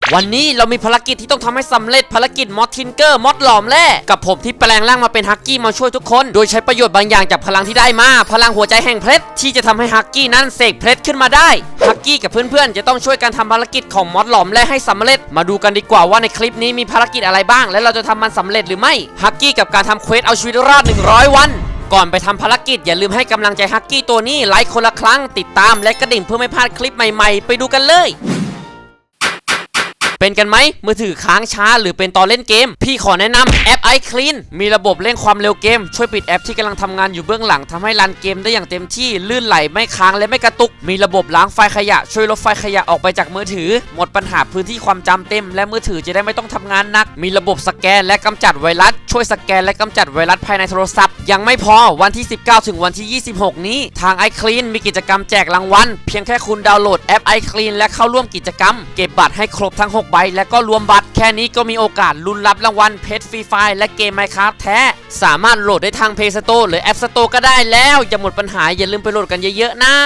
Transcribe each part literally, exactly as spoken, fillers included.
วันนี้เรามีภารกิจที่ต้องทำให้สำเร็จภารกิจมอดทินเกอร์มอดหลอมแร่กับผมที่แปลงร่างมาเป็นฮักกี้มาช่วยทุกคนโดยใช้ประโยชน์บางอย่างจากพลังที่ได้มาพลังหัวใจแห่งเพชรที่จะทำให้ฮักกี้นั้นเสกเพชรขึ้นมาได้ฮักกี้กับเพื่อนๆจะต้องช่วยกันทำภารกิจของมอดหลอมแร่ให้สำเร็จมาดูกันดีกว่าว่าในคลิปนี้มีภารกิจอะไรบ้างและเราจะทำมันสำเร็จหรือไม่ฮักกี้กับการทำเควสเอาชีวิตรอดหนึ่งร้อยวันก่อนไปทำภารกิจอย่าลืมให้กำลังใจฮักกี้ตัวนี้ไลค์คนละครั้งติดตามและกระดิ่งเพื่อไม่พลาดคลิปใหม่ๆไปดูกันเลยเป็นกันไหมมือถือค้างช้าหรือเป็นตอนเล่นเกมพี่ขอแนะนำแอป iClean มีระบบเร่งความเร็วเกมช่วยปิดแอปที่กำลังทำงานอยู่เบื้องหลังทำให้รันเกมได้อย่างเต็มที่ลื่นไหลไม่ค้างและไม่กระตุกมีระบบล้างไฟล์ขยะช่วยลบไฟล์ขยะออกไปจากมือถือหมดปัญหาพื้นที่ความจำเต็มและมือถือจะได้ไม่ต้องทำงานหนักมีระบบสแกนและกำจัดไวรัสช่วยสแกนและกำจัดไวรัสภายในโทรศัพท์ยังไม่พอวันที่สิบเก้าถึงวันที่ยี่สิบหกนี้ทาง iClean มีกิจกรรมแจกรางวัลเพียงแค่คุณดาวน์โหลดแอป iClean และเข้าร่วมกิจกรรมเก็บบัตรให้ครบทั้งหกใบและก็รวมบัตรแค่นี้ก็มีโอกาสลุ้นรับรางวัลเพชรฟรีไฟล์และเกม Minecraft แท้สามารถโหลดได้ทาง Play Store หรือ App Store ก็ได้แล้วอย่าหมดปัญหาอย่าลืมไปโหลดกันเยอะๆนะ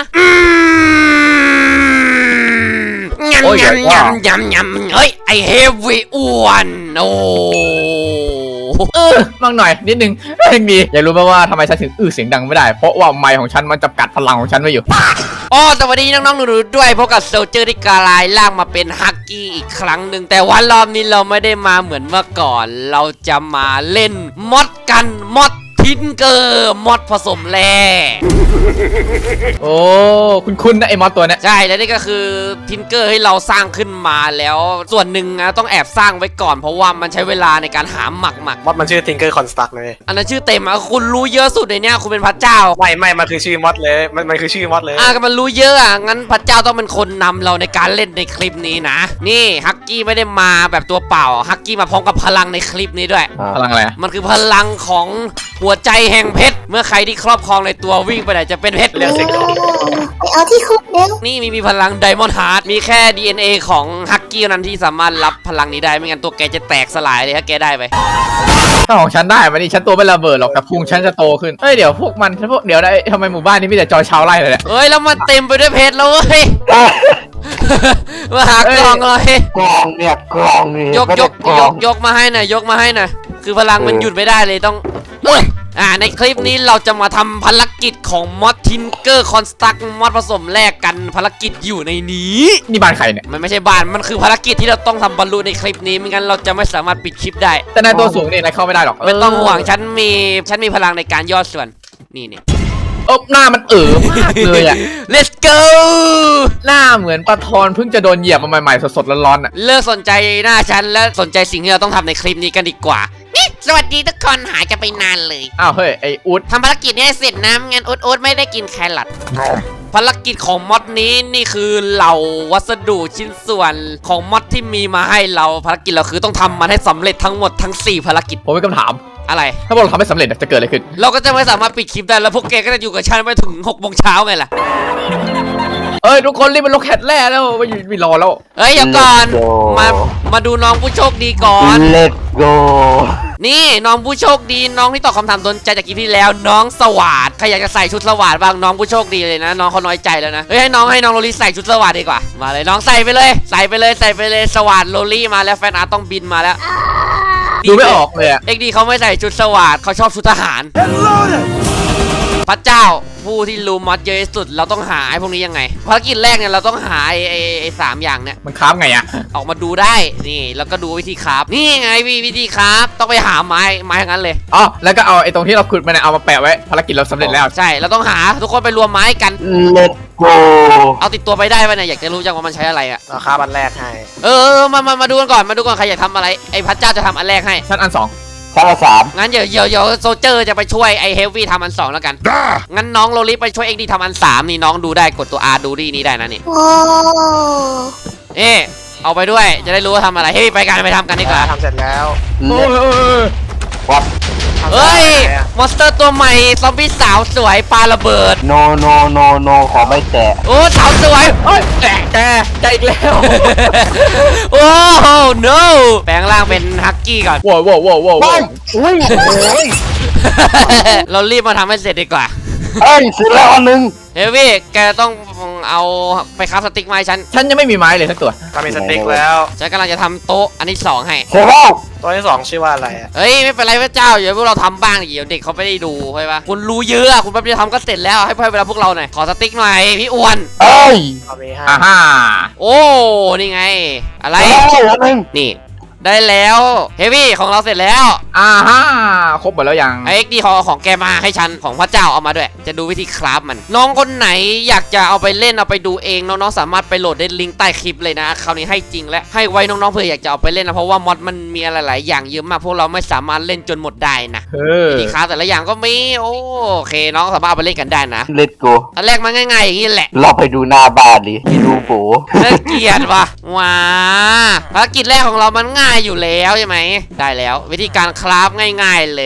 ยำยำยำยำยำเฮ้ยไอเฮฟวีอ้วนโอ้เออมั่งหน่อยนิดนึงยังดีอยากรู้ไหมว่าทำไมฉันถึงอื้อเสียงดังไม่ได้เพราะว่าไมค์ของฉันมันจำกัดพลังของฉันไว้อยู่อ๋อสวัสดีน้องๆหนูๆด้วยพบกับโซลเจอร์ที่กลายร่างมาเป็นฮักกี้อีกครั้งหนึ่งแต่วันรอบนี้เราไม่ได้มาเหมือนเมื่อก่อนเราจะมาเล่นมอดกันมอดทินเกอร์มอดผสมแร่โอ้คุณคุณนะไอ้มอดตัวเนี้ยใช่แล้วนี่ก็คือทินเกอร์ให้เราสร้างขึ้นมาแล้วส่วนหนึ่งนะต้องแอบสร้างไว้ก่อนเพราะว่ามันใช้เวลาในการหาหมักหมักมอดมันชื่อทินเกอร์คอนสตรักเลยอันนั้นชื่อเต็มอะคุณรู้เยอะสุดในเนี้ยคุณเป็นพระเจ้าไม่ไม่มันคือชื่อมอดเลยมันมันคือชื่อมอดเลยอ่ะก็มันรู้เยอะอ่ะงั้นพระเจ้าต้องเป็นคนนำเราในการเล่นในคลิปนี้นะนี่ฮักกี้ไม่ได้มาแบบตัวเปล่าฮักกี้มาพร้อมกับพลังในคลิปนี้ด้วยพลังอะไรมันคือพลังของหัวใจแห่งเพชรเมื่อใครที่ครอบครองในตัววิ่งไปไหนจะเป็นเพชรเรียกสิไปเอาที่คุกเร็วนี่มีมีพลังไดมอนด์ฮาร์ดมีแค่ ดี เอ็น เอ ของฮักกี้นั้นที่สามารถรับพลังนี้ได้ไม่งั้นตัวแกจะแตกสลายเลยถ้าแกได้ไปถ้าของฉันได้มันนี่ฉันตัวไม่ระเบิดหรอกแต่พุงฉันจะโตขึ้นเฮ้ยเดี๋ยวพวกมันพวกเดี๋ยวได้ทำไมหมู่บ้านนี้มีแต่จอยชาวไร่เลยเฮ้ยแล้วมันเต็มไปด้วยเพชรแล้วเว้ยมาหากล่องเลยกล่องเนี่ยกล่องนี่ยกยกยกยกมาให้หน่อยยกมาให้หน่อยคือพลังมันหยุดไม่ได้เลยต้องเอออ่าในคลิปนี้เราจะมาทำภารกิจของมอดทินเกอร์คอนสตรักมอดผสมแลกกันภารกิจอยู่ในนี้นี่บ้านใครเนี่ยมันไม่ใช่บ้านมันคือภารกิจที่เราต้องทำบรรลุในคลิปนี้ไม่งั้นเราจะไม่สามารถปิดคลิปได้แต่นายตัวสูงนี่นายเข้าไม่ได้หรอกไม่ต้องห่วงฉันมีฉันมีพลังในการย่อส่วนนี่นี่เอ๊บหน้ามันเอ๋อมากเลยอ่ะ let's go หน้าเหมือนปลาทอนเพิ่งจะโดนเหยียบมาใหม่ๆสดๆร้อนๆอ่ะเลิกสนใจหน้าฉันและสนใจสิ่งที่เราต้องทำในคลิปนี้กันดีกว่าสวัสดีทุกคนหายกันไปนานเลยอ้าวเฮ้ยไออุดทำภารกิจนี้เสร็จนะงั้นอุดอุดไม่ได้กินแครอทภารกิจของมอดนี้นี่คือเหล่าวัสดุชิ้นส่วนของมอดที่มีมาให้เราภารกิจเราคือต้องทำมันให้สำเร็จทั้งหมดทั้งสี่ภารกิจผมมีคำถามอะไรถ้าพวกเราทำไม่สำเร็จจะเกิดอะไรขึ้นเราก็จะไม่สามารถปิดคลิปได้แล้วพวกแกก็จะอยู่กับฉันไปถึงหกโมงเช้าไงล่ะเอ้ยทุกคนรีบไปลงแคทแร่แล้วไปอยู่ไปรอแล้วเฮ้ยเดี๋ยวก่อนมามาดูน้องผู้โชคดีก่อน Let's go นี่น้องผู้โชคดีน้องที่ตอบคำถามโดนใจจากคลิปที่แล้วน้องสวัสดใครอยากจะใส่ชุดสวัสดบ้างน้องผู้โชคดีเลยนะน้องเขาน้อยใจแล้วนะเฮ้ยให้น้องให้น้องโรลี่ใส่ชุดสวัสดดีกว่ามาเลยน้องใส่ไปเลยใส่ไปเลยใส่ไปเลยสวัสดโรลี่มาแล้วแฟนอาร์ต้องบินมาแล้วดูไม่ออกเลยอะเอ็กดีเขาไม่ใส่ชุดสวัสดเขาชอบชุดทหารพระเจ้าผู้ที่รู้มอดเยอะที่สุดเราต้องหาไอ้พวกนี้ยังไงภารกิจแรกเนี่ยเราต้องหาไอ้ไอ้ไอ้สามอย่างเนี่ยมันคราฟไงอะออกมาดูได้นี่แล้วก็ดูวิธีคราฟนี่ไงวิวิธีคราฟต้องไปหาไม้ไม้ทั้งนั้นเลยอ๋อแล้วก็เอาไอ้ตรงที่เราขุดมาเนี่ยเอามาแปะไว้ภารกิจเราสำเร็จแล้วใช่เราต้องหาทุกคนไปรวมไม้กัน Let's go เอาติดตัวไปได้ป่ะเนี่ยอยากจะรู้จังว่ามันใช้อะไรอะราคาบันแรกให้เออมามามาดูกันก่อนมาดูก่อนใครอยากทำอะไรไอ้พระเจ้าจะทำอันแรกให้ชั้นอันสองชั้นอันสามงั้นเดี๋ยวเดี๋ยวเดี๋ยวโซเจอร์จะไปช่วยไอ้เฮฟวี่ทำอันสองแล้วกันงั้นน้องโรลิไปช่วยเอ็กดีทำอันสามนี่น้องดูได้กดตัว R ดูดีนี้ได้นะนี่เอ๊เอาไปด้วยจะได้รู้ว่าทำอะไรเฮ้ยไปกันไปทำกันดีกว่าทำเสร็จแล้ววัดเฮ้ยมอนสเตอร์ตัวใหม่ซอมบี้สาวสวยปาระเบิด no no no no ขอไม่แตะโอ้สาวสวยเฮ้ยแตะแตะแตะอีกแล้วโอ้ no แปลงร่างเป็นฮักกี้ก่อนว้าวว้าวว้าวว้าวอุ้ยเรารีบมาทำให้เสร็จดีกว่าเอ้ยซื้อแล้วอันหนึ่งเฮฟวี่แกต้องเอาไปคราฟสติ๊กมาให้ฉันฉันยังไม่มีไม้เลยสักตัวทำเป็นสติ๊กแล้วฉันกำลังจะทำโต๊ะอันที่สองให้เสร็จแล้วตัวที่สองชื่อว่าอะไรอะเฮ้ยไม่เป็นไรพระเจ้าเดี๋ยวพวกเราทำบ้างดิเดี๋ยวเด็กเขาไม่ได้ดูใช่ปะคุณรู้เยอะอะคุณแป๊บเดียวทำก็เสร็จแล้วให้ให้เวลาพวกเราหน่อยขอสติ๊กหน่อยพี่อ้วนเอ้ยเอาไปให้อ่าฮ่าโอ้นี่ไง อะไรเอ้ยอันหนึ่งนี่ ได้แล้วเฮฟวี่ของเราเสร็จแล้วอ่าฮ่าครบหมดแล้วยังไอ้เอ็กดีขอของแกมาให้ฉันของพระเจ้าเอามาด้วย จะดูวิธีคราฟมัน น้องคนไหนอยากจะเอาไปเล่นเอาไปดูเองน้องๆสามารถไปโหลดได้ลิงก์ใต้คลิปเลยนะคราวนี้ให้จริงและให้ไว้น้องๆเผื่ออยากจะเอาไปเล่นนะเพราะว่ามอดมันมีอะไรหลายอย่างเยอะมากพวกเราไม่สามารถเล่นจนหมดได้นะเออวิธีคราฟแต่ละอย่างก็มีโอเคน้องสามารถเอาไปเล่นกันได้นะเลตโกอันแรกมันง่ายๆอย่างนี้แหละเราไปดูหน้าบ้านดิไปดูโบน่าเกลียดว่ะว้าภารกิจแรกของเรามันง่ายอยู่แล้วใช่ไหมได้แล้ววิธีการคราฟง่ายๆเลย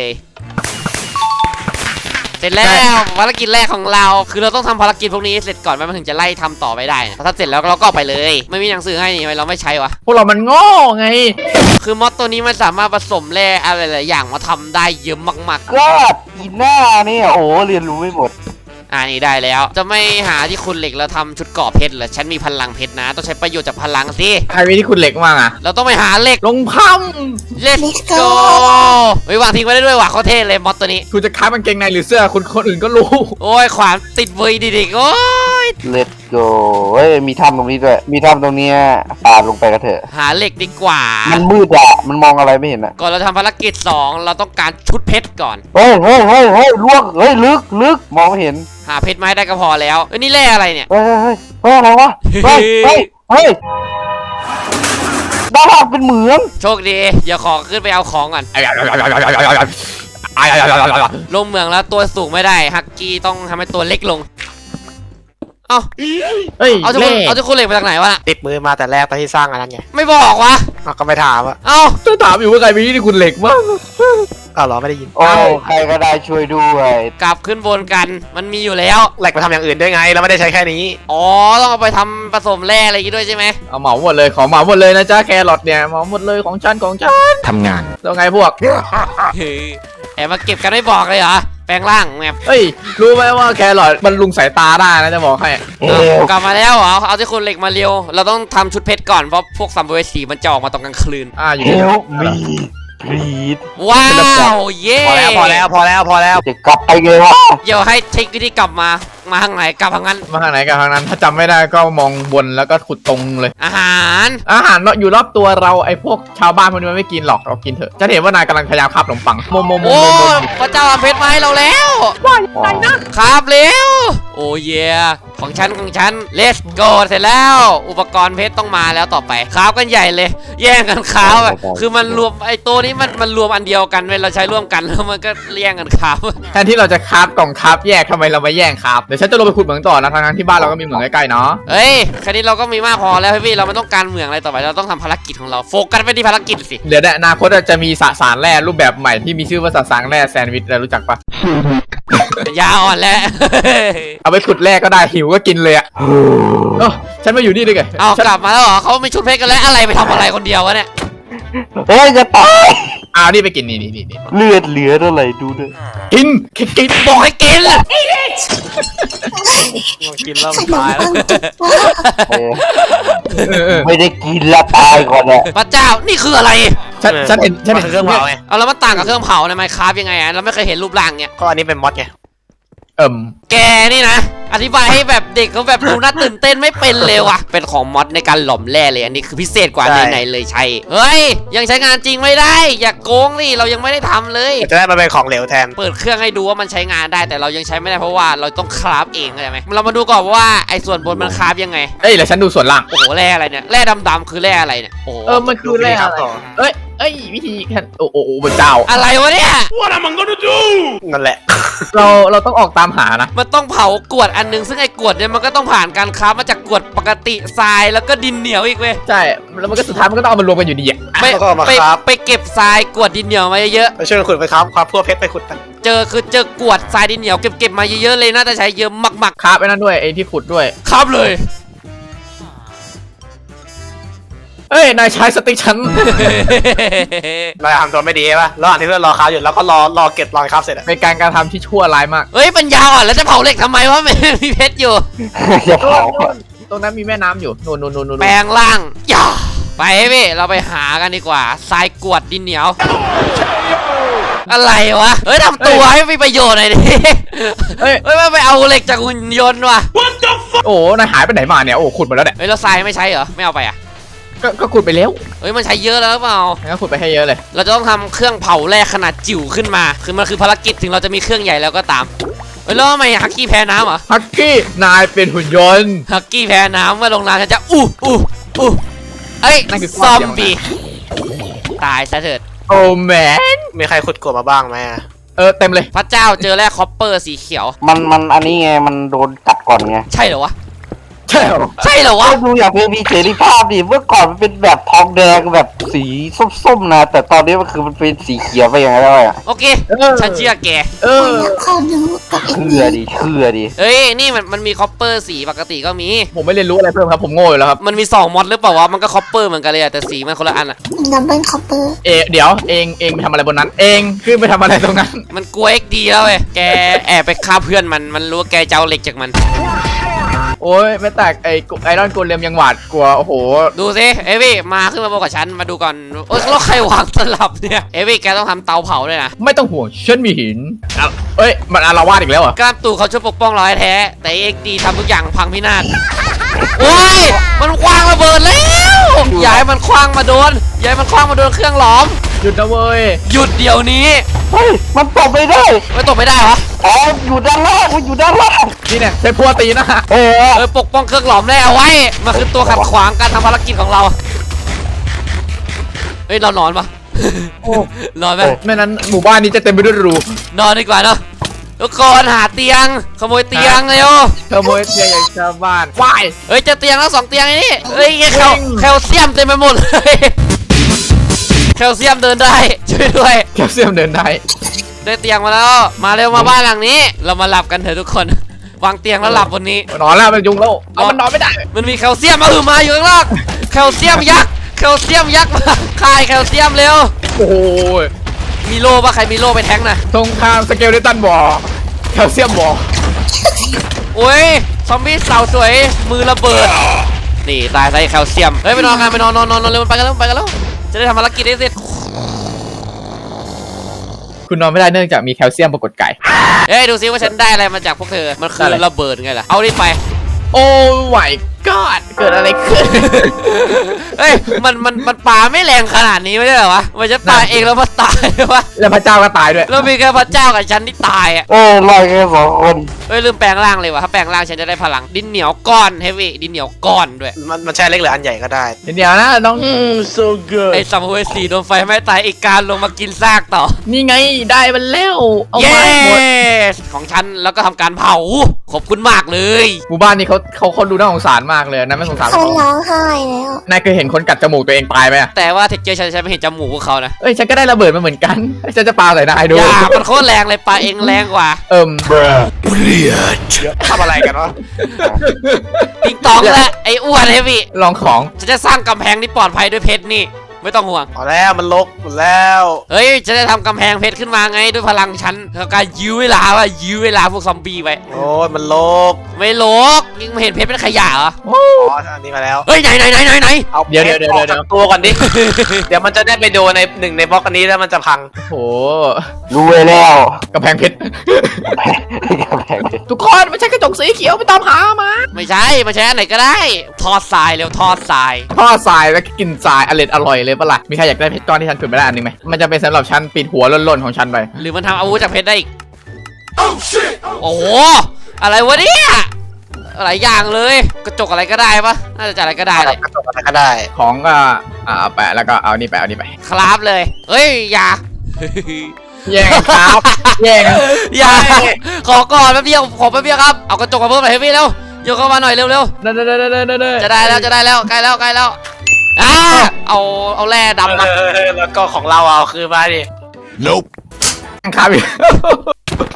เสร็จแล้วภารกิจแรกของเราคือเราต้องทำภารกิจพวกนี้เสร็จก่อนมันถึงจะไล่ทำต่อไปได้นะถ้าเสร็จแล้วเราก็เอาไปเลย ไม่มีหนังสือให้นี่ทำไมเราไม่ใช้วะพวกเรามันโง่ไงคือมอดตัวนี้มันสามารถผสมแร่อะไรหลายอย่างมาทำได้เยอะมากก็อีหน้าเนี่ยโอ้เรียนรู้ไม่หมดๆอ่านี่ได้แล้ว จะไม่หาที่คุณเหล็กแล้วทำชุดเกราะเพชรเหรอฉันมีพลังเพชรนะ ต้องใช้ประโยชน์จากพลังสิใครมีที่คุณเหล็กมางอ่ะเราต้องไปหาเหล็กลงพัม Let's go เฮ้ยวางทิ้งไว้ได้ด้วยว่ะเขาเท่เลยมอดตัวนี้คุณจะค้ากางเกงในหรือเสื้อคุณคนอื่นก็รู้โอ้ยขวานติดเวยดิๆโอ้ยเลตโกเฮ้ยมีถ้ำตรงนี้ด้วยมีถ้ำตรงเนี้ยปาดลงไปกันเถอะหาเหล็กดีกว่ามันมืดอะมันมองอะไรไม่เห็นอะก่อนเราทำภารกิจสองเราต้องการชุดเพชรก่อนเฮ้ยเฮ้ยเฮ้ยเฮ้ยลวกเฮ้ยลึกลึกมองไม่เห็นหาเพชรมาให้ได้ก็พอแล้วเอ้ยนี่แร่อะไรเนี่ยเฮ้ยเฮ้ยเฮ้ยอะไรวะเฮ้ยเฮ้ยเฮ้ยด้านล่างเป็นเหมืองโชคดีเดี๋ยวขอขึ้นไปเอาของก่อนลงเมืองแล้วตัวสูงไม่ได้ฮักกี้ต้องทำให้ตัวเล็กลง เอ้าเฮ้ยเอาทุกคนเล่เอาทุกคนเหล็กมาจากไหนวะน่ะติดมือมาแต่แรกตอนที่สร้างอันนั้นไงไม่บอกวะเอาก็ไม่ถามอะเอ้าจะถามอยู่ว่าใครมีที่คุณเหล็กบ้างอ้าวเหรอไม่ได้ยินโอ้ใครก็ได้ช่วยด้วยกลับขึ้นบนกันมันมีอยู่แล้วแหลกไปทำอย่างอื่นด้วยไงเราไม่ได้ใช้แค่นี้อ๋อต้องเอาไปทำผสมแร่อะไรอย่างงี้ด้วยใช่ไหมเอาเหมาหมดเลยของเหมาหมดเลยนะจ๊ะแครอทเนี่ยเหมาหมดเลยของฉันของฉันทำงานแล้วไงพวกเฮ้ยแอบมาเก็บกันไม่บอกเลยเหรอแปลงร่างแมปเฮ้ยรู้ไหมว่าแครอทมันลุงสายตาได้นะจะบอกให้เอวกลับมาแล้วเหรอเอาที่คนเหล็กมาเร็วเราต้องทำชุดเพชรก่อนเพราะพวกซัมเบอร์สีมันจะออกมาตอนกลางคืนอ่าอยู่เอนี่วมีกรีดว้าวเย้พอแล้วพอแล้วพอแล้วพอแล้วจะกลับไปไงวะเดี๋ยวให้เช็ควิธีกลับมามาทางไหนกลับทางนั้นมาทางไหนกับทางนั้น ถ้าจำไม่ได้ก็มองบนแล้วก็ขุดตรงเลยอาหารอาหารเนาะอยู่รอบตัวเราไอ้พวกชาวบ้านพวกนี้มันไม่กินหรอกเรากินเถอะจะเห็นว่านายกำลังพยายามคาบขนมปังโมโมโมโอ้โมโมพระเจ้าเอาเพชรมาให้เราแล้วว่ายังไงนะครับเร็วโอ้เยของฉันของฉัน let's go เสร็จแล้ว อุปกรณ์เพชรต้องมาแล้วต่อไปคราฟกันใหญ่เลย แย่งกันคราฟอะคือมันรวมไอ้ตัวนี้มันมันรวมอันเดียวกันเว้ยเราใช้ร่วมกันแล้วมันก็แย่งกันคราฟแทนที่เราจะคาบกล่องคาบแยกทำไมเรามาแย่งคาบเดี๋ยวฉันจะลงไปขุดเหมืองต่อนะทางนั้นที่บ้านเราก็มีเหมืองใกล้ๆเนาะเฮ้ยแค่นี้เราก็มีมากพอแล้วพี่เราไม่ต้องการเมืองอะไรต่อไปเราต้องทำภารกิจของเราโฟกัสไปที่ภารกิจสิเดี๋ยวในอนาคตจะมีสสารแร่รูปแบบใหม่ที่มีชื่อว่าสสารแร่แซนด์วิชเรารู้จักปะยาอ่อนแล้วเอาไปขุดแร่ก็ได้หิวก็กินเลยอะเออฉันมาอยู่นี่ด้วยไงเอาฉันกลับมาแล้วเหรอเขาไม่ชุดเพชรกันแล้วอะไรไปทำอะไรคนเดียววะเนี่ยเฮ้ยจะตายเอานี่ไปกินนี่นี่นี่นี่เลือดเหลือเท่าไหร่ดูด้วยกินกินกินบอกให้กินกินแล้วมันตายแล้วเออเออเออไม่ได้กินละตายก่อนแหละพระเจ้านี่คืออะไรฉันฉันเห็นฉันมันเห็นคือเครื่องเผาไงเอาแล้วมันต่างกับเครื่องเผาในไมค์คราฟยังไงอะเราไม่เคยเห็นรูปร่างเนี่ยก็อันนี้เป็นมอดไงเอิ่มแกนี่นะ อธิบายให้แบบเด็กเขาแบบดูน่าตื่นเต้นไม่เป็นเลยว่ะ เป็นของมอดในการหล่อมแร่เลย อันนี้คือพิเศษกว่าไหนๆเลยใช่ เฮ้ย ยังใช้งานจริงไม่ได้ อย่าโกงนี่เรายังไม่ได้ทำเลยจะได้มาเป็นของเหลวแทนเปิดเครื่องให้ดูว่ามันใช้งานได้แต่เรายังใช้ไม่ได้เพราะว่าเราต้องคราฟเองเข้าใจไหมเรามาดูก่อนว่าไอ้ส่วนบนมันคราฟยังไงเอ้ยแล้วฉันดูส่วนล่างโอ้โหแร่อะไรเนี่ย แร่ดำๆคือแร่อะไรเนี่ย โอ้โหเออมันคือแร่อะไรเอ้ยเอ้ยวิธีแค่โอ้โอ้โอ้พระเจ้าอะไรวะเนี่ยนั่นแหละเราเราต้องออกตามหานะมันต้องเผากรวดอันนึงซึ่งไอ้กรวดเนี่ยมันก็ต้องผ่านการคราฟมาจากกรวดปกติทรายแล้วก็ดินเหนียวอีกเว้ยใช่แล้วมันก็สุดท้ายมันก็ต้องเอามารวมกันอยู่ดีอะไปแล้วก็เอามาไปคราฟไปเก็บทรายกรวดดินเหนียวมาเยอะไปช่วยกันขุดไปครับความพวกเพชรไปขุดไปๆเจอคือเจอกรวดทรายดินเหนียวเก็บเก็บมาเยอะๆเลยน่าจะใช้เยอะมากคาบไอ้นั่นด้วยไอ้ที่ขุดด้วยๆครับเลยเอ้ยนายใช้สติ๊กฉันเราทำตัวไม่ดีป่ะระหว่างที่เพื่อนรอคราฟอยู่แล้วก็รอรอเก็บรอยคราฟเสร็จอะเป็นการกระทำที่ชั่วร้ายมากเฮ้ยปัญญาอ่อนแล้วจะเผาเหล็กทำไมวะ ไม่มีเพชรอยู่อย่าเผาตรงนั้นมีแม่น้ำอยู่นู่นนู่นนู่นนู่นแปลงร่างอย่าไปพี่เราไปหากันดีกว่าทรายกวดดินเหนียว อะไรวะเฮ้ยทำตัวให้มีประโยชน์หน่อยดิเฮ้ยเฮ้ยไม่ไปเอาเหล็กจากหุ่นยนต์ว่ะโอ้นายหายไปไหนมาเนี่ยโอ้ขุดหมดแล้วเนี่ยเฮ้ยเราทรายไม่ใช้เหรอไม่เอาไปอ่ะก็ก็ขุดไปแล้วเฮ้ยมันใช้เยอะแล้วหรือเปล่างั้นขุดไปให้เยอะเลยเราจะต้องทำเครื่องเผาแร่ขนาดจิ๋วขึ้นมา คือมันคือภารกิจถึงเราจะมีเครื่องใหญ่แล้วก็ตาม เฮ้ยแล้วทำไมฮักกี้แพ้น้ำเหรอฮักกี้นายเป็นหุ่นยนต์ฮักกี้แพ้น้ำเมื่อลงน้ำฉันจะอู้อู้อู้เอ้ยนั่นคือซความอมเสี่ยงบี้ตายซะเถิดโอ้แมนมีใครขุดกบมาบ้างไหมอะเออเต็มเลยพระเจ้าเจอแร่คอปเปอร์สีเขียวมันมันอันนี้ไงมันโดนกัดก่อนไงใช่เหรอวะใช่เหรอใช่เหรอวะก็ดูอย่างเพลงมีเสรีภาพดิเมื่อก่อนมันเป็นแบบทองแดงแบบสีส้มๆนะแต่ตอนนี้มันคือมันเป็นสีเขียวไปอย่างไรแล้วอ่ะโอเคเออฉันเชื่อแกเออขอดูกับเอ็นเชื่อดิเชื่อดิเอ้ยนี่มันมันมีคอปเปอร์สีปกติก็มีผมไม่เรียนรู้อะไรเพิ่มครับผมโง่อยู่แล้วครับมันมีสองมอดหรือเปล่าวะมันก็คอปเปอร์เหมือนกันเลยอะแต่สีมันคนละอันอะดับเบิลคอปเปอร์เอเดี๋ยวเองเองไปทำอะไรบนนั้น เองขึ้นไปทำอะไรตรงนั้นมันกลัวเอ็กดีแล้วเว้ยแกแอบไปฆ่าเพื่อนมันมันรู้ว่าแกจะเอาเหล็กจากมันโอ้ยไม่แตกไอ้ไอรอนโกเลมยังหวาดกลัวโอ้โหดูสิเอวี่มาขึ้นมาบอกกับฉันมาดูก่อนโอ้ยแล้วใครวางสลับเนี่ยเอวี่แกต้องทำเตาเผาด้วยนะไม่ต้องห่วงฉันมีหินอ่ะเอ้ยมันอารวาสอีกแล้วเหรอ่ะกล้ามตู่เขาช่วยปกป้องเราแท้ๆแต่เอ็กดีทำทุกอย่างพังพินาศโอ้ยมันคว้างระเบิดแล้วอย่าให้มันคว้างมาโดนอย่าให้มันคว้างมาโดนเครื่องหลอมหยุดนะเว้ยหยุดเดี๋ยวนี้เฮ้ยมันตบไม่ได้ไม่ตกไม่ได้วะอ๋ออยู่ด้านล่างมันอยู่ด้านล่างนี่เนี่ยใช้พัวตีนะเออเออปกป้องเครื่องหลอมแร่เอาไว้มันคือตัวขัดขวางการทำภารกิจของเราเฮ้ยเรานอนปะ นอนไหมไม่นั้นหมู่บ้านนี้จะเต็มไปด้วยรูนอนดีกว่าเนาะทุกคนหาเตียงขโมยเตียงเร็วขโมยเตียงอย่างชาวบ้านวายเฮ้ยเจอเตียงแล้วสองเตียงไอ้นี่เฮ้ยแคลจริงแคลเซียมเต็มไปหมดเลยแคลเซียมเดินได้ช่วยด้วยแคลเซียมเดินได้ได้เตียงมาแล้วมาเร็วมาบ้านหลังนี้ เรามาหลับกันเถอะทุกคนวางเตียงแล้วหลับบนนี้นอนแล้วมันยุงแล้วเอามันนอนไม่ได้มันมีแคลเซียมมาอือมาอยู่ข้างล่างแคลเซียมยักษ์แคลเซียมยักษ์มาคายแคลเซียมเร็วโอ้โหมีโล่ปะใครมีโล่ไปแทงน่ะสงครามสเกลเลตันบอลแคลเซียมบอลโอ้ยซอมบี้สาวสวยมือระเบิดนี่ตายใส่แคลเซียมเฮ้ยไปนอนกันไปนอนนอนนอนนอนเร็วไปกันแล้วไปกันแล้วจะได้ทำภารกิจได้เสร็จคุณนอนไม่ได้เนื่องจากมีแคลเซียมปรากฏไก่เฮ้ยดูซิว่าฉันได้อะไรมาจากพวกเธอมันคือระเบิดไงล่ะเอาดิไปโอ้ my god เกิดอะไรขึ้นเฮ้ยมันมันมันปาไม่แรงขนาดนี้ไม่ได้เหรอวะมันจะปาเองแล้วมันตายวะแล้วพระเจ้าก็ตายด้วยแล้วมีแค่พระเจ้ากับฉันที่ตายอ่ะเออลอยแค่สองคนเฮ้ยลืมแปลงร่างเลยวะถ้าแปลงร่างฉันจะได้พลังดินเหนียวก้อนเฮฟวี่ดินเหนียวก้อนด้วยมันมันใช่เล็กหรืออันใหญ่ก็ได้เดี๋ยวนะน้องไอ้สัมภเวสีโดนไฟไหม้ตายอีกการลงมากินซากต่อนี่ไงได้มันแล้วเอาเย้มาให้หมดของฉันแล้วก็ทำการเผาขอบคุณมากเลยหมู่บ้านนี้เขาเขาเขาดูน่าสงสารมากเลยนะไม่สงสารเขาร้องไห้แล้วนายเคยเห็นคนกัดจมูกตัวเองตายไหมอะแต่ว่าเทคเจอร์ฉันฉันไม่เห็นจมูกพวกเขานะเอ้ยฉันก็ได้ระเบิดมาเหมือนกันฉันจะปาใส่นายดูอย่ามันโคตรแรงเลยปลาเองแรงกว่าเอิ่มทำอะไรกันวะติงตองและไอ้อ้วนเฮฟวี่ลองของฉันจะสร้างกำแพงที่ปลอดภัยด้วยเพชรนี่ไม่ต้องห่วงเอาแล้วมันลกหมดแล้วเฮ้ยจะได้ทำกำแพงเพชรขึ้นมาไงด้วยพลังฉันแล้วการยื้อเวลาว่ายื้อเวลาพวกซอมบี้ไว้โอ้ยมันลกไม่โลกยังไม่เห็นเพชรเป็นขยะเหรออ๋ออันนี้มาแล้วเฮ้ยไหนไหนไหนไหนไหนเอาเดี๋ยวเดี๋ยวเดี๋ยวออกเดี๋ยวจากตัวก่อนดิ เดี๋ยวมันจะได้ไปโดนในหนึ่งในบล็อกอันนี้แล้วมันจะพังโหรู้ไว้แล้วกระแพงเพชรกำแพงเพชรทุกคนไม่ใช่กระจกสีเขียวไปตามหามาไม่ใช่มาใช้อันไหนก็ได้ทอดทรายเร็วทอดทรายทอดทรายแล้วก็กินทรายอร่อยอร่อยเลยปะล่ะมีใครอยากได้เพชรก้อนที่ฉันขุดไม่ได้อันหนึงไหมมันจะเป็นสำหรับฉันปิดหัวล่นๆของฉันไปหรือมันทำอาวุธจากเพชรได้อีกโอ้โหอะไรวะเนี่ยหลายอย่างเลยกระจกอะไรก็ได้ปะน่าจะจัดอะไรก็ได้เลยกระจกอะไรก็ได้ของก็อ่าเอาแปะแล้วก็เอานี่ไปเอานี่ไปครับเลยเฮ้ยอย่าแย่งครับแย่งอย่าขอก่อนแป๊บเดียวขอแป๊บเดียวครับเอากระจกมาเพิ่มหน่อยให้พี่เร็วโยกเข้ามาหน่อยเร็วเร็วเด้อเด้อเด้อเด้อเด้อจะได้แล้วจะได้แล้วใกล้แล้วใกล้แล้วอ่าเอาเอาแร่ดำมาเออแล้วก็ของเราเอาคือมาดิครับอีก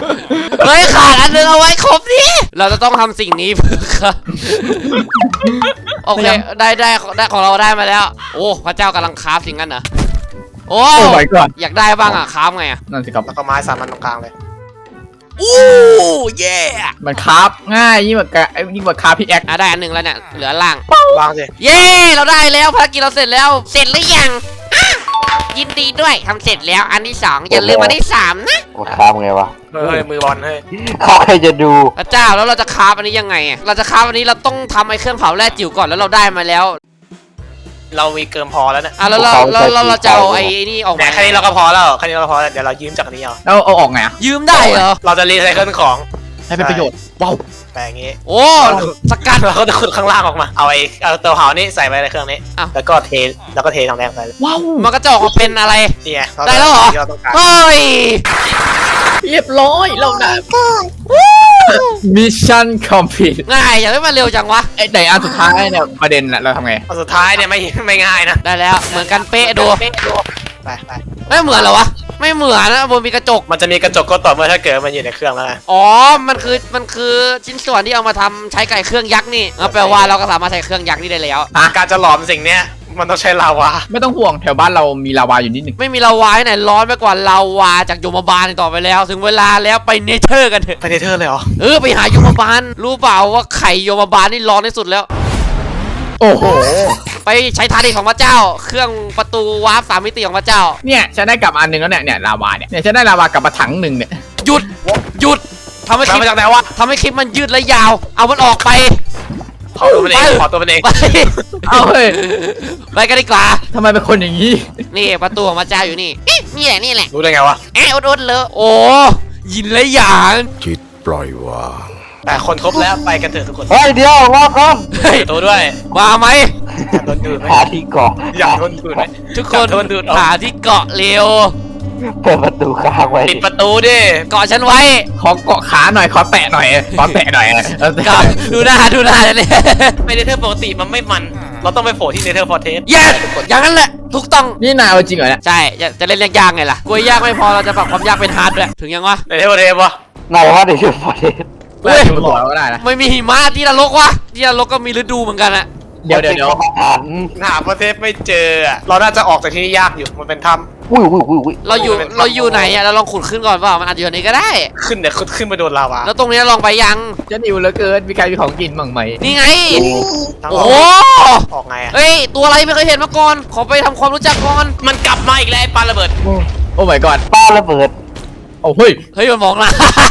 เฮ้ยขาดอันนึงเอาไว้ครบดิเราจะต้องทำสิ่งนี้เพื่อค่ะโอเคได้ได้ได้ของเราได้มาแล้วโอ้พระเจ้ากำลังคราฟสิ่งนั้นเหรอโอ้โอ้ my god อยากได้บ้างอ่ะคราฟไงอ่ะนั่นสิครับแล้วก็ไม้สามอันตรงกลางเลยอู้เย่มันคราฟง่ายยิ่งกว่ากะยิ่งกว่าคราฟพิกแอคอ่ะได้อันหนึ่งแล้วเนี่ยเหลือล่างวางสิเย้เราได้แล้วภารกิจเราเสร็จแล้วเสร็จหรือยังอ่ะยินดีด้วยทำเสร็จแล้วอันที่สองอย่าลืมอันที่สามนะกดข้ามไงวะเฮ้ยมือบอลเฮ้ยเขาใครจะดูพระเจ้าแล้วเราจะคราฟอันนี้ยังไงอ่ะเราจะคราฟอันนี้เราต้องทำไอ้เครื่องเผาแร่จิ๋วก่อนแล้วเราได้มาแล้วเรามีเกินพอแล้วเนี่ยอ่ะแล้วเราเราเราเราจะเอาไอ้นี่ออกแต่มาแค่นี้เราก็พอแล้วแค่นี้เราก็พอแล้วเดี๋ยวเรายืมจากอันนี้เอาแล้วเอาออกไงอ่ะยืมได้เหรอเราจะรีไซเคิลของให้เป็นประโยชน์ว้าวแปลงงี้โอ้สกัดเราก็จะขุดข้างล่างออกมาเอาไอ้เอาเตาเผานี่ใส่ไปในเครื่องนี้อ้าวแล้วก็เทแล้วก็เททองแดงไปเลยว้าวมันก็จะออกมาเป็นอะไรนี่ไงได้แล้วเหรอที่เราต้องการเฮ้ยเรียบร้อยเราได้ก็มิชชั่นคอมพลีทง่ายอย่าได้มาเร็วจังวะไอ้ไหนอันสุดท้ายเนี่ยประเด็นน่ะเราทำไงอันสุดท้ายเนี่ยไม่ไม่ง่ายนะได้แล้วเหมือนกันเป๊ะดูไปไปไม่เหมือนเหรอวะไม่เหมือนนะบนมีกระจกมันจะมีกระจกก็ต่อเมื่อถ้าเกิดมันอยู่ในเครื่องแล้วไงอ๋อ มันคือ มันคือชิ้นส่วนที่เอามาทำใช้ไก่เครื่องยักษ์นี่งั้นแปลว่าเราก็สามารถใช้เครื่องยักษ์นี่ได้แล้วการจะหลอมสิ่งเนี้ยมันต้องใช้ลาวาไม่ต้องห่วงแถวบ้านเรามีลาวาอยู่นิดหนึ่งไม่มีลาวาที่ไหนร้อนไปกว่าลาวาจากโยมบาลอีกต่อไปแล้ว ถึงเวลาแล้วไปเนเธอร์กันเถอะไปเนเธอร์เลยเหรอเออไปหาโยมบาล รู้เปล่าว่าไข่โยมบาลนี่ร้อนที่สุดแล้วโอ้โหไปใช้ทานิของพระเจ้า เครื่องประตูวาร์ปสามมิติของพระเจ้าเนี่ยฉันได้กลับมาอันหนึ่งแล้วเนี่ยเนี่ยลาวาเนี่ยเนี่ยฉันได้ลาวากลับมาถังหนึ่งเนี่ยหยุด หยุดทำให้คเราลิปมาจากไหนวะทำให้คลิปมันยืดและยาว เอามันออกไปขอตัวมันเองขอตัวมันเองไปเอาเฮ้ยไปกันดีกว่าทำไมเป็นคนอย่างนี้นี่ประตูของพระเจ้าอยู่นี่เอ๊ะนี่แหละนี่แหละรู้ได้ไงวะแอะอุดๆเลยโอ้ยินและหยางจิตปล่อยวางแต่คนครบแล้วไปกันเถอะทุกคนเฮ้ยเดี๋ยวรอก่อนเฮ้ยตัวด้วยมาไหมอยากโดนดูดไหมหาที่เกาะอยากโดนดูดไหมทุกคนโดนดูดออกหาที่เกาะเร็วเปิดประตูค้างไว้ปิดประตูดิเกาะฉันไว้ขอเกาะขาหน่อยขอแตะหน่อยขอแตะหน่อยเออเกาะดูหน้าดูหน้าเลยไปเนเธอร์ปกติมันไม่มัน เราต้องไปโผล่ที่เนเธอร์ฟอร์เทสเย้อย่างนั้นแหละถูกต้องนี่นายเอาจริงเหรอเนี่ยใช่จะจะเล่นเรื่องยากไงล่ะกลัวยากไม่พอเราจะปรับความยากเป็นฮาร์ดด้วยถึงยังวะเนเธอร์ฟอร์เทสวะไหนว่าเดี๋ยวจะพอเทสเฮ้ยไม่บอกเราก็ได้นะไม่มีหิมะที่นรกวะที่นรกก็มีฤดูเหมือนกันอะเดี๋ยวเดี๋ยวเดี๋ยวหันหาประเทศไม่เจออะเราน่าจะออกจากที่นี่ยากอยู่ มันเป็นถ้อุ้ยอุ้ยอุ้ยอุ้ยเราอยู่เราอยู่ไหนอะเราลองขุดขึ้นก่อนเปล่ามันอาจจะอยู่ไหนก็ได้ำขึ้นเดี๋ยวขึ้นไปโดนลาวาแล้วตรงนี้ลองไปยังจะหิวเหลือเกินมีใครมีของกินบ้างไหมนี่ไงทางโอ้อโหอกออกไงอะเฮ้ยตัวอะไรไม่เคยเห็นมาก่อนขอไปทำความรู้จักก่อนมันกลับมาอีกแล้วไอ้ปลาระเบิดโอ้ my god ป้าระเบิดโอ้เฮ้ยเฮ้ยมันมองนะ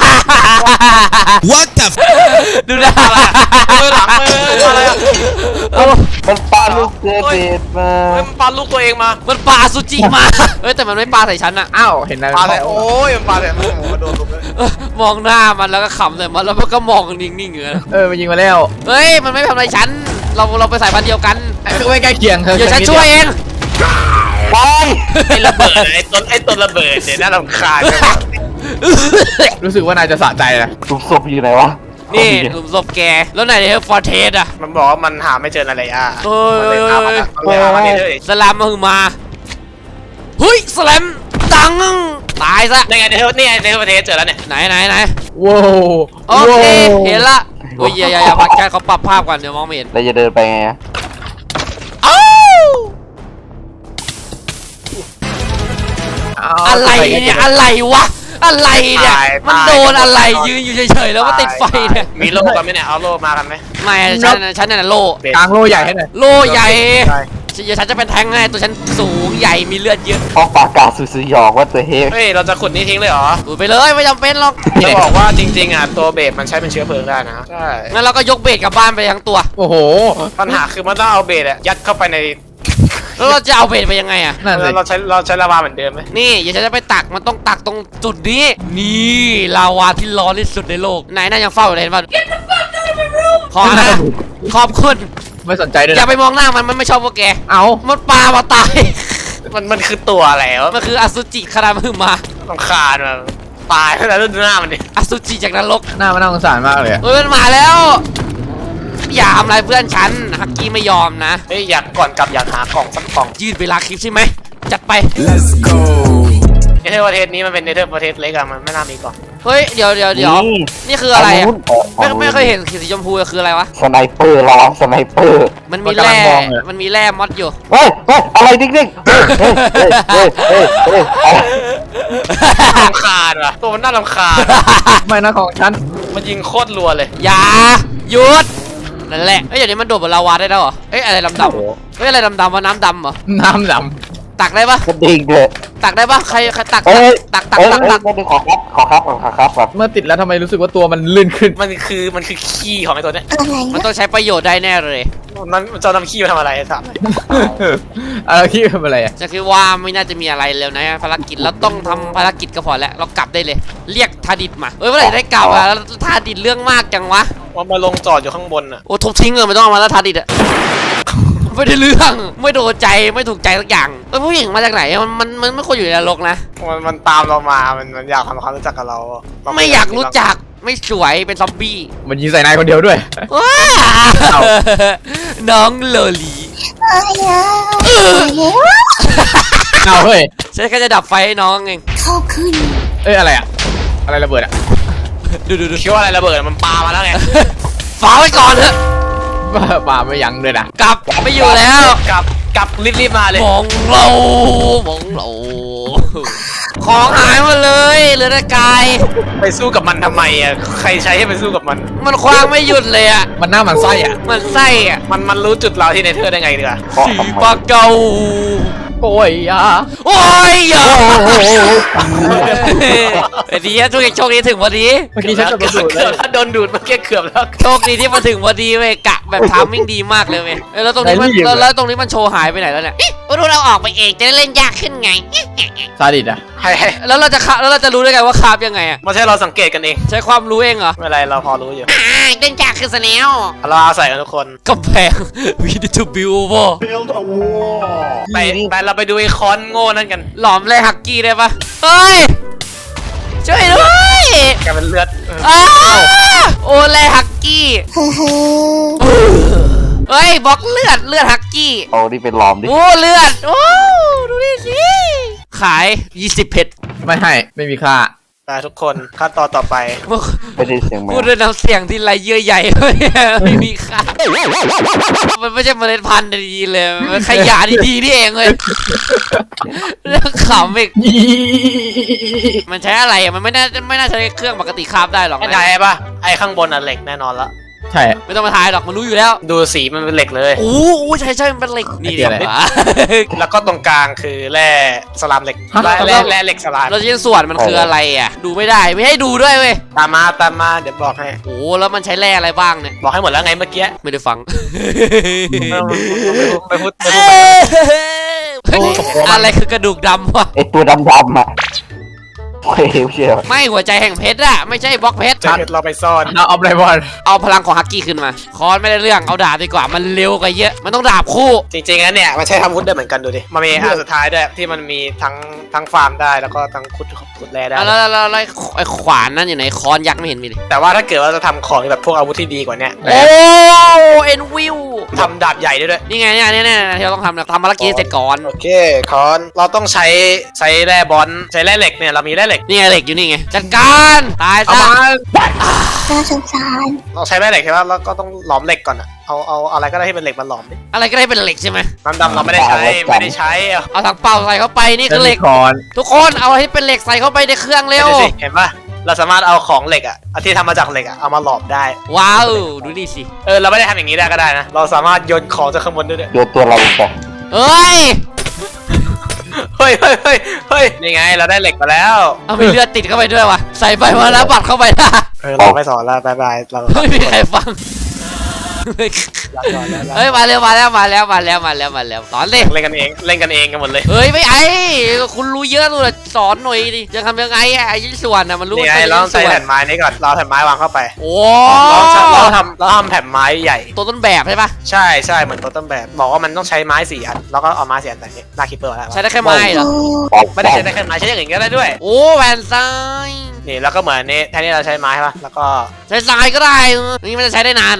What the f ดูนะมือหลังมืออะไรอะเอ้ามันปาลูกเจเบตมาเฮ้ยมันปลาลูกตัวเองมามันปาซูจิมา เฮ้ยแต่มันไม่ปาใส่ฉันอะอ้าวเห็นอะไรปลาอะไรโอ้ยมันปลาอะไรโอ้โหโดนลุกเลยเออมองหน้ามันแล้วก็ขำใส่มันแล้วมันก็มองนิ่งๆอย่างนั้นเออมันยิงมาแล้วเฮ้ยมันไม่ทำอะไรฉันเราเราไปสายพันธุ์เดียวกันคือไม่ใกล้เคียงเธอเดี๋ยวฉันช่วยเองไปไอ้ระเบิดไอ้ต้นไอ้ต้นระเบิดเนี่ยน่ารำคาญจังวะรู้สึกว่านายจะสะใจนะหลุมศพอยู่ไหนวะนี่หลุมศพแกแล้วไหนเนี่ยฟอร์เทสอะมันบอกว่ามันหาไม่เจออะไรอ่ะเฮ้ยมันเลยพามามันเลยพามานี่เลยสลัมมาหึงมาเฮ้ยสลัมตังตายซะนี่ไงในเทอร์นี่ไงในเทอร์ประเทศเจอแล้วเนี่ยไหนไหนไหนว้าวโอเคเห็นละโอ้ยอย่าอย่าอย่าพักแค่เขาปรับภาพก่อนเดี๋ยวมองไม่เห็นเราจะเดินไปไงอะอ้าวอะไรเนี่ยอะไรวะอะไรเนี่ยมันโดนอะไรยืนอยู่เฉยๆแล้วก็ติดไฟเนี่ยมีโล่กันไหมเนี่ยเอาโล่มากันไหมไม่ฉันน่ะฉันน่ะโลกลางโลใหญ่ให้หน่อยโลใหญ่ใช่เดี๋ยวฉันจะเป็นแทงให้ตัวฉันสูงใหญ่มีเลือดเยอะห้องปากกาสุดสยองว่าตัวเฮฟเฮ้ยเราจะขุดนี่ทิ้งเลยเหรอดูดไปเลยไม่จำเป็นหรอกจะบอกว่าจริงๆอ่ะตัวเบสมันใช้เป็นเชื้อเพลิงได้นะใช่งั้นเราก็ยกเบสกลับบ้านไปทั้งตัวโอ้โหปัญหาคือมันต้องเอาเบสอะยัดเข้าไปในแล้วเราจะเอาเบสไปยังไงอะนั่นสิเราใช้เราใช้ลาวาเหมือนเดิมไหมนี่อย่าฉันจะไปตักมันต้องตักตรงจุดนี้ นี่ลาวาที่ร้อนที่สุดในโลกไหนน่ายังเฝ้าอยู่เลยเห็นป่ะขอนะขอบคุณไม่สนใจด้วยอย่านะไปมองหน้ามันมันไม่ชอบพวกแกเอามันปลามาตายมันมันคือตัวอะไรวะมันคืออสุจิคารามือมารำคาญมันตายแล้วดูหน้ามันดิอสุจิจากนรกหน้ามันน่าสงสารมากเลยอะเฮ้ยมันมาแล้ว อย่าทำอะไรเพื่อนฉันฮักกี้ไม่ยอมนะเฮ้ยอยากก่อนกลับอยากหากล่องสักกล่องยืดเวลาคลิปใช่ไหมจัดไป Let's go เนเธอร์ประเทศนี้มันเป็นเนเธอร์ประเทศเล็กอะมันไม่น่ามีกล่องเฮ้ยเดี๋ยวเดี๋ยวเดี๋ยวนี่นี่คืออะไรอะฝั่ไม่งนู้นไม่เคยเห็นสีชมพูอะคืออะไรวะสไนเปอร์ร้องสไนเปอร์มันมีแร่มันมีแร่มอดอยู่เฮ้ยเฮ้ยอะไรดิ้งดิ้งเฮ้ยเฮ้ยเฮ้ยเฮ้ยเฮ้ยเฮ้ยรำคาญว่ะตัวมันน่ารำคาญไม่นะของฉันมันยิงโคตรรัวเลยอย่าหยุดนั่นแหละเอ้ยเดี๋ยวนี้มันโดดบนลาวาได้แล้วเหรอเอ้ยอะไรดำๆเฮ้ยอะไรดำๆวะน้ำดำเหรอน้ำดตักได้ปะกระดิ่งเลยตักได้ปะใครใครตักเฮ้ยตักตักเฮ้ยตักตักไม่ได้ขอครับขอครับขอครับครับำเมื่อติดแล้วทำไมรู้สึกว่าตัวมันลื่นขึ้นมันคือมันคือขี้ของไอ้ตัวเนี้ยอะไรมันนะต้องใช้ประโยชน์ได้แน่เลยมันมันจะเอานำขี้มาทำอะไรถามหน่อยอะไรที่เป็นอะไรอะจะคิดว่าไม่น่าจะมีอะไรแล้วนะภารกิจเราต้องทำภารกิจก็พอแล้วเรากลับได้เลย เรียกทาดิดมาเอ้ยเมื่อไหร่จะได้กลับอะแล้วทาดิดเรื่องมากจังวะว่ามาลงจอดอยู่ข้างบนอ่ะโอ้ทุบทิ้งเลยไม่ต้องเอามาแล้วทาดิดอะ ไม่ได้เรื่องไม่โดนใจไม่ถูกใจสักอย่างเอ้ยผู้หญิงมาจากไหนมันมันมันไม่ควรอยู่ในนรกนะมันมันตามเรามา มันมันอยากทำความรู้จักกับเราเไม่อยากรู้จักไม่สวยเป็นซอมบี้มันยิงใส่นายคนเดียวด้วยว้าเอ้าน้องโลลีอะไรอะอะไรอะเอาเฮ้ยฉันแค่จะดับไฟให้น้องเองเข้าขึ้นเอ้ยอะไรอะอะไรระเบิดอะดูดูดูคิดว่าอะไรระเบิดมันปามาแล้วไงฝากไว้ก่อนเถอะบ้าป่าไม่ยั้งเลยนะกลับไม่อยู่แล้วกลับกลับรีบรีบมาเลยมองเรามองเราของหายหมดเลยเหลือแต่กายไปสู้กับมันทำไมอ่ะใครใช้ให้ไปสู้กับมันมันคว้างไม่หยุดเลยอ่ะมันหน้ามันไส้อะมันไส้อ่ะมันมันรู้จุดเราที่เนเธอร์ได้ไงดีกว่าเพราะสีทำไมปากเก่าโอ้ยอะโอ้ยอย่าไอ้ดีอะโชคดีโชคดีถึงพอดีเมื่อกี้ฉันจะเกืกอบระสุนเลเกือย บถ้าโดนดูดเมื่อกี้เกือบแล้วโชคดีที่มาถึงพอดีเว้ยกะแบบทามมิ่งดีมากเลยเว้ยเอ้ยแล้วตรงนี้มันแล้วแล้วตรงนี้มันโชว์หายไปไหนแล้วเนี่ยก็รู้เราออกไปเองจะได้เล่นยากขึ้นไงซาดิสอะให้ให้แล้วเราจะคาแล้วเราจะรู้ได้ไงว่าคาบยังไงอ่ะไม่ใช่เราสังเกตกันเองใช้ความรู้เองเหรอไม่เป็นไรเราพอรู้อยู่อ่าเล่นยากขึ้นซะแล้วเราเอาใส่กันทุกคนกำแพง we need to build a wall ไปไปเราไปดูไอ้คอนโง่นั่นกันหลอมเลยฮักกี้ได้ปะเฮ้ย ช่วยด้วยแกเป็นเลือดเอออ้าโอเลยฮักกี้เฮ้เฮ้เฮ้ยบล็อกเลือดเลือดฮักกี้เอานี่เป็นหลอมดิโอ้เลือด โอ้ดูดิสิ ขายยี่สิบเพชรไม่ให้ไม่มีค่าไปทุกคนขั้นตอนต่อไปไม่ได้เสียงแมพูวดด้วยน้ำเสียงที่ไรเยื่อใหญ่ ไม่มีค่า มันไม่ใช่เมล็ดพันธุ์ดีๆเลย มันขยะดีๆนี่เองเลยเรื่องขำอีก มันใช้อะไรอ่ะ มันไม่น่าไม่น่าใช้เครื่องปกติคาบได้หรอกไม่นะได้ปะไอ้ข้างบนอ่ะเหล็กแน่นอนละใช่ไม่ต้องมาทายหรอกมันรู้อยู่แล้วดูสีมันเป็นเหล็กเลยโอ้โหใช่ใช่มันเป็นเหล็กนี่ไอ้ดีเหี้ยอะไรกว่าแล้วก็ตรงกลางคือแร่สลามเหล็กฮะแร่แร่แร่เหล็กสลามแล้วชิ้นส่วนมันคืออะไรอ่ะ ดูไม่ได้ไม่ให้ดูด้วยเว้ยตามมาตามมาเดี๋ยวบอกให้โอ้โหแล้วมันใช้แร่อะไรบ้างเนี่ยบอกให้หมดแล้วไงเมื่อกี้ไม่ได้ฟังไม่พูดไม่พูดเฮ้ยอะไรคือกระดูกดำวะไอตัวดำๆอ่ะเฮ้ยไม่เชื่อไม่หัวใจแห่งเพชรอะไม่ใช่บล็อกเพชรจะเราไปซ่อนเอาเอาไรบอลเอาพลังของฮักกี้ขึ้นมา คอนไม่ได้เรื่องเอาดาบดีกว่ามันเร็วกว่าเยอะ มันต้องดาบคู่จริงๆแล้วเนี่ยมันใช้ทำวุธได้เหมือนกันดูดิมันมีอันสุดท้ายด้วยที่มันมีทั้งทั้งฟาร์มได้แล้วก็ทั้งขุดขุดแร่ได้แล้วแล้วแล้วแล้วไอ้ขวานนั่นอยู่ไหนคอนยักษ์ไม่เห็นมีเลยแต่ว่าถ้าเกิดว่าจะทำของแบบพวกอาวุธที่ดีกว่าเนี้ยโอ้เอ็นวิวทำดาบใหญ่ได้ด้วยนี่ไงเนี่ยเนี่ยเนี่ยที่เราต้องทำนะทำภารกิจให้เสร็จก่อนโอเคคอนเราต้องใช้ใช้แร่บอลใช้แร่เหล็กเนี่ยเรามีแร่เหล็กนี่ไงเหล็กอยู่นี่ไงจัดการตายเอาซะมาน่าสงสารเราใช้แร่เหล็กใช่ไหมแล้วก็ต้องหลอมเหล็กก่อนอะเอาเอาอะไรก็ได้ที่เป็นเหล็กมาหลอมดิอะไรก็ได้เป็นเหล็กใช่ไหมน้ำดำเราไม่ได้ใช้ไม่ได้ใช้เอาเอาถังเปล่าใส่เข้าไปนี่คือเหล็กคอนทุกคนเอาให้เป็นเหล็กใส่เข้าไปในเครื่องเร็วดูสิเห็นปะเราสามารถเอาของเหล็กอะเอาที่ทำมาจากเหล็กอะเอามาหลอมได้ว้าวดูนี่สิเออเราไม่ได้ทำอย่างนี้ได้ก็ได้นะเราสามารถโยนของจากข้างบนได้ด้วยโยนตัวเราลงไปเอ้ยเฮ้ยเฮ้ยเฮ้ยเฮ้ยนี่ไงเราได้เหล็กมาแล้วเอามีเลือดติดเข้าไปด้วยวะใส่ไปมาแล้วบัดเข้าไปนะเออเราไม่สอนแล้วบายบายเราไม่มีใครฟังลาก่อนแล้วเฮ้ยมาเร็วมาแล้วมาแล้วมาแล้วมาแล้วมาแล้วสอนเลยเล่นกันเองเล่นกันเองกันหมดเลยเฮ้ยไม่ไอ้คุณรู้เยอะนู่นน่ะสอนหน่อยดิจะทำยังไงอะไอ้ชิ้นส่วนน่ะมันรู้นี่ไงป็นเราต้องใช้ชิ้นส่วนแผ่นไม้นี้ก่อนเราเอาแผ่นไม้วางเข้าไปโอ้เราจะเราทำเราทำแผ่นไม้ใหญ่ตัวต้นแบบใช่ปะใช่ใช่เหมือนตัวต้นแบบบอกว่ามันต้องใช้ไม้สี่อันแล้วก็เอาไม้สี่อันแต่นี้หน้าคิปเปอร์แล้วใช้ได้แค่ไม้เหรอโอ้ไม่ได้ใช้ได้แค่ไม้ใช้อย่างอื่นก็ได้ด้วยโอ้แผ่นทรายนี่แล้วก็เหมือนนี้แทนที่เราใช้ไม้ใช่ปะแล้วก็ใช้ทรายก็ได้นี่มันจะใช้ได้นานเหรอไ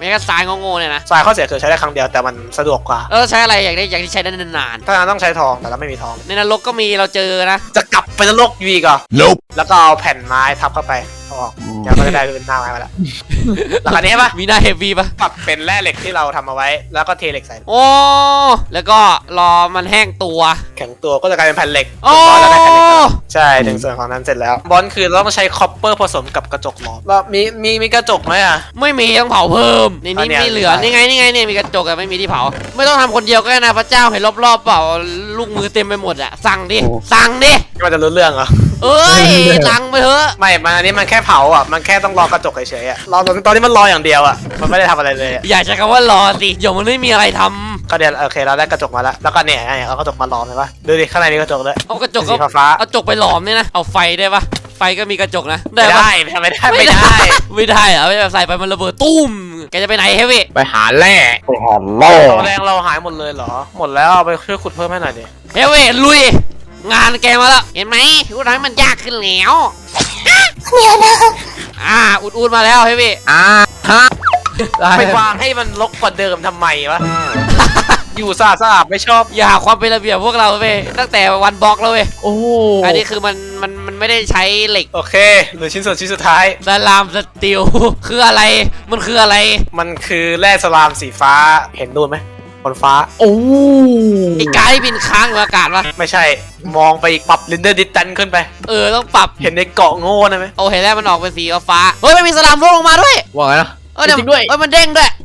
ไม่แค่ทรายโง่ๆเนี่ยนะทรายข้อเสียคือใช้ได้ครั้งเดียวแต่มันสะดวกกว่าเออใช้อะไรอยากได้อยากที่ใช้ได้นานถ้างั้นต้องใช้ทองแต่เราไม่มีทองๆในนรกก็มีเราเจอนะจะกลับไปนรกอยู่อีกเหรอ Nope. แล้วก็เอาแผ่นไม้ทับเข้าไปเอาออกเดี๋ยวก็จะได้เป็นหน้าไม้มาแล้วแล้วคราวนี้ปะมีหน้าเฮฟวี่ปะปรับเป็นแร่เหล็กที่เราทำเอาไว้ แล้วก็เทเหล็กใส่โอ้แล้วก็รอมันแห้งตัวแข็งตัวก็จะกลายเป็นแผ่นเหล็กโอ้แล้วได้แผ่นเหล็กแล้วใช่ถึงส่วนของนั้นเสร็จแล้วบอลคือเราต้องใช้คอปเปอร์ผสมกับกระจกหลอมแล้วมีมีมีกระจกไหมอ่ะไม่มีต้องเผาเพิ่มในนี้อันเนี้ยไม่เหลือใช่นี่ไงนี่ไงเนี่ยมีกระจกอะไม่มีที่เผา ไม่ต้องทำคนเดียวก็ได้นะพระเจ้าเห็นรอบๆเปล่าลูกมือเต็มไปหมดอะสั่งดิสั่งดิมันจะรู้เรื่องเหรอเอ้ยสั่งไปเถอะไม่มันอันนี้มันแค่เผาอ่ะมันแค่ต้องรอกระจกเฉยๆอ่ะรอตอนตอนนี้มันรออย่างเดียวอ่ะมันไม่ได้ทำอะไรเลยอะอย่าใช้คำว่ารอสิเดี๋ยวมันไม่มีอะไรทำก็เดี๋ยวโอเคเราได้กระจกมาแล้วแล้วก็เนี่ยเนี่ยเอากระจกมาล้อมเห็นปะดูดิข้างในมีกระจกด้วยเอากระจกสีก็ฟ้าเอาจกไปหลอมเนี่ยนะเอาไฟได้ปะไฟก็มีกระจกนะไม่ปะได้ไม่ได้ไม่ได้ไม่ได้เหรอไม่แบบใส่ไปมันระเบิดตุ้มแกจะไปไหนเฮฟวี่ไปหาแร่ไปหาแร่ตัวแรงเราหายหมดเลยเหรอหมดแล้วเอาไปช่วยขุดเพิ่มให้หน่อยดิเฮฟวี่ลุยงานแกมาแล้วเห็นไหมรู้ทำให้มันยากขึ้นแล้วเดี๋ยวนะอ่าอุดๆมาแล้วเฮฟวี่อ่าฮะไปวางให้มันรกกว่าเดิมทำไมวะ อยู่สะอาดสะอาดไม่ชอบอย่าหาความเป็นระเบียบพวกเราเว้ยตั้งแต่วันบล็อกแล้วเว้ยโอ้อันนี้คือมันมันมันไม่ได้ใช้เหล็กโอเคเหลือชิ้นส่วนชิ้นสุดท้ายสลามสตีล คืออะไรมันคืออะไรมันคือแร่สลามสีฟ้าเห็นนู่นไหมบนฟ้าโอ้ไอ้กายที่บินค้างอยู่อากาศวะไม่ใช่มองไปอีกปรับลินเดอร์ดิสแตนขึ้นไปเออต้องปรับเห็นในเกาะโง่นะไหมโอ้เห็นแล้วมันออกเป็นสีฟ้าเฮ้ยมันมีสลามร่วงลงมาด้วยว่าไงนะเออเดี๋ยวจริงด้วยเอ้ยมันเด้งด้วย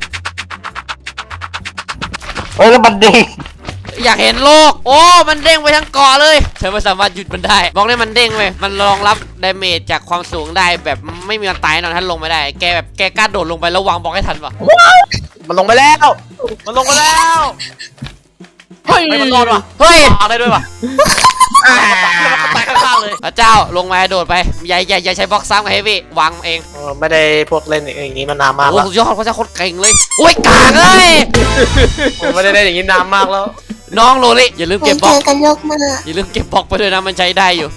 เฮ้ยแล้วมันเด้งอยากเห็นโลกโอ้มันเด้งไปทั้งเกาะเลยเธอไม่สามารถหยุดมันได้บอกเลยมันเด้งเว้ยมันรองรับดาเมจจากความสูงได้แบบไม่มีวันตายแน่นอนถ้าลงไม่ได้แกแบบแกกล้าโดดลงไปแล้ววางบล็อกให้ทันปะมันลงไปแล้วมันลงไปแล้วเฮ้ยไม่มันรอดว่ะเฮ้ยวางได้ด้วยว่ะอ่าแล้วมันก็ตายข้างๆเลยพระเจ้าลงมาโดดไปอย่าอย่าอย่าใช้บล็อกซ้ำกับเฮฟวี่วางเองเออไม่ได้พวกเล่นอย่างนี้มานานมากโอ้แล้วสุดยอดพระเจ้าโคตรเก่งเลยโอ้ยกากเลยผมไม่ได้เล่นอย่างนี้นานมากแล้วน้องโรลี่อย่าลืมไม่เก็บบเจล็อกอกันโลกมากอย่าลืมเก็บบล็อกไปด้วยนะมันใช้ได้อยู่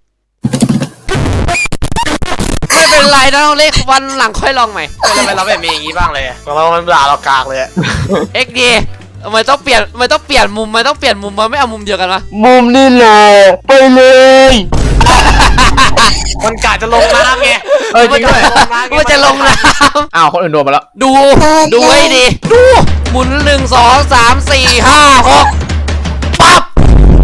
ไม่เป็นไรนะน้องเล็กวันหลังค่อยลองใหม่ทำไมเราไม่มีอย่างนี้บ้างเลยอะเรามันด่าเรากากเลยอะเอ็กดีทำไมต้องเปลี่ยนทำไมต้องเปลี่ยนมุมทำไมต้องเปลี่ยนมุมมันไม่เอามุมเดียวกันวะมุมนี่เลยไปเลยมันกาจะลงน้ำไงเออจริงด้วยว่าจะลงน้อ้าวคนอื่นโดนมาแล้วำดูดูให้ดีดูหมุนหนึ่งสองสามสี่ห้าหกปั๊บ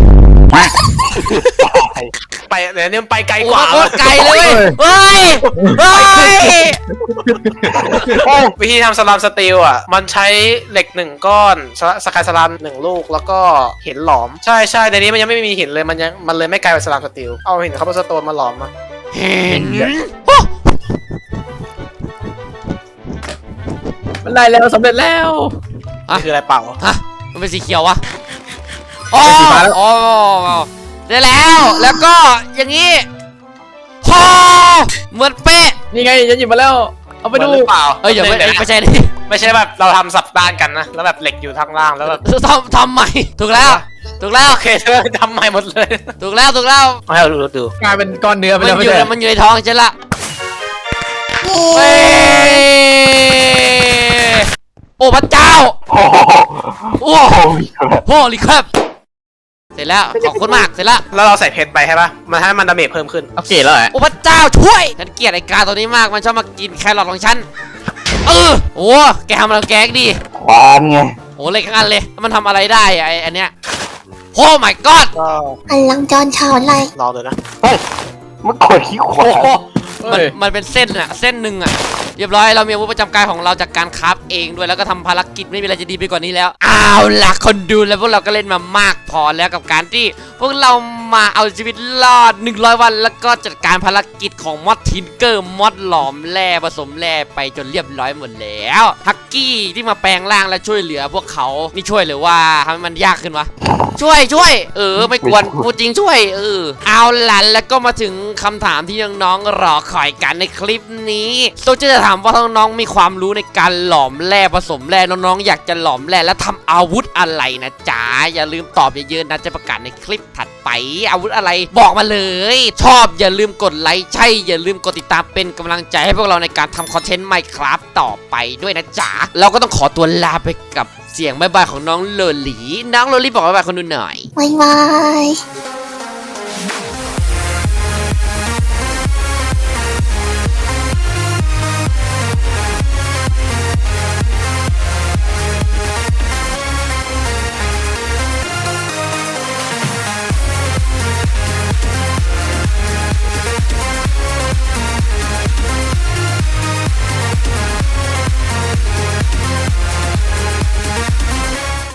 ไปเดี๋ยวนี้มันไปไกลโอ้กว่าโคตรไกลเลยเว้ยเฮ้ยเฮ้ยวิธีทำสลามสตีลอ่ะ มันใช้เหล็กหนึ่งก้อนสสกายสลามหนึ่งลูกแล้วก็หินหลอม ใช่ใช่ในนี้มันยังไม่มีหินเลยมันยังมันเลยไม่กลายเป็นสลามสตีลเอาหินคาร์บอนสโตนมาหลอมมาเห็นมันได้แล้วสำเร็จแล้วนี่คืออะไรเปล่าฮะมันเป็นสีเขียววะอ๋อเป็นสีฟ้าแล้วอ๋อได้แล้ว แล้วก็อย่างนี้ฮอเหมือนเป๊ะนี่ไงฉันหยิบมาแล้ว เอาไปดูหรือเปล่าเอ้ยอย่าไม่ดี๋วนะไม่ใช่นี่ไม่ใช่แบบเราทำสับด้านกันนะ แล้วแบบเหล็กอยู่ทางล่างแล้วแบบทำทำใหม่ ถูกแล้ว ถูกแล้วโอเคเธอทำใหม่หมดเลยถูกแล้ว ถูกแล้วเอาให้เราดูดูกลายเป็นก้อนเนื้อไปมันแล้วอไม่ยู่ใช่มันอยู่ในท้องฉันละเย้เฮ้ยโอ้พระเจ้าโอ้โหโอ้โอ้ยโหรีครับเสร็จแล้ว ขอบคุณมาก เสร็จแล้วแล้วเราใส่เพชรไปใช่ปะมันให้มันดาเมจเพิ่มขึ้นเอาเกรดแล้วเหรอโอ้พระเจ้าช่วย ฉันเกลียดไอ้กาตัวนี้มาก มันชอบมากินแครอทของฉัน เออ โอ้ แกทำอะไรแกกดีควานไงโอ้เล็กทั้งอันเลย มันทำอะไรได้อะไออันเนี้ยโอ้ my god ก็พลังจรชาวไรลองดูนะเฮ้ยมันกดขี้ขวาโอ้โหเฮ้มันยมันเป็นเส้นอะเส้นหนึ่งอะเรียบร้อยเรามีอาวุธประจำกายของเราจากการคราฟเองด้วยแล้วก็ทำภารกิจไม่มีอะไรจะดีไปกว่านี้แล้วเอาล่ะคนดูแล้วพวกเราก็เล่นมามากพอแล้วกับการที่พวกเรามาเอาชีวิตรอดหนึ่งร้อยวันแล้วก็จัดการภารกิจของมอดทินเกอร์มอดหลอมแร่ผสมแร่ไปจนเรียบร้อยหมดแล้วฮักกี้ที่มาแปลงร่างและช่วยเหลือพวกเขานี่ช่วยหรือว่าทำให้มันยากขึ้นวะ ช่วยช่วยเออไม่กวนพูดจริงช่วยเออเอาล่ะแล้วก็มาถึงคำถามที่น้องๆรอคอยกันในคลิปนี้โซจะถามว่าน้องๆมีความรู้ในการหลอมแร่ผสมแร่น้องๆอยากจะหลอมแร่และทำอาวุธอะไรนะจ๊ะอย่าลืมตอบเยอะๆนะจะประกาศในคลิปถัดไปอาวุธอะไรบอกมาเลย ชอบอย่าลืมกดไลค์ใช่อย่าลืมกดติดตามเป็นกำลังใจให้พวกเราในการทำคอนเทนต์ Minecraft ต่อไปด้วยนะจ๊ะเราก็ต้องขอตัวลาไปกับเสียงบ๊ายบายของน้องโลลีน้องโลลีบอกบ๊ายบายคนดูหน่อยบ๊ายบาย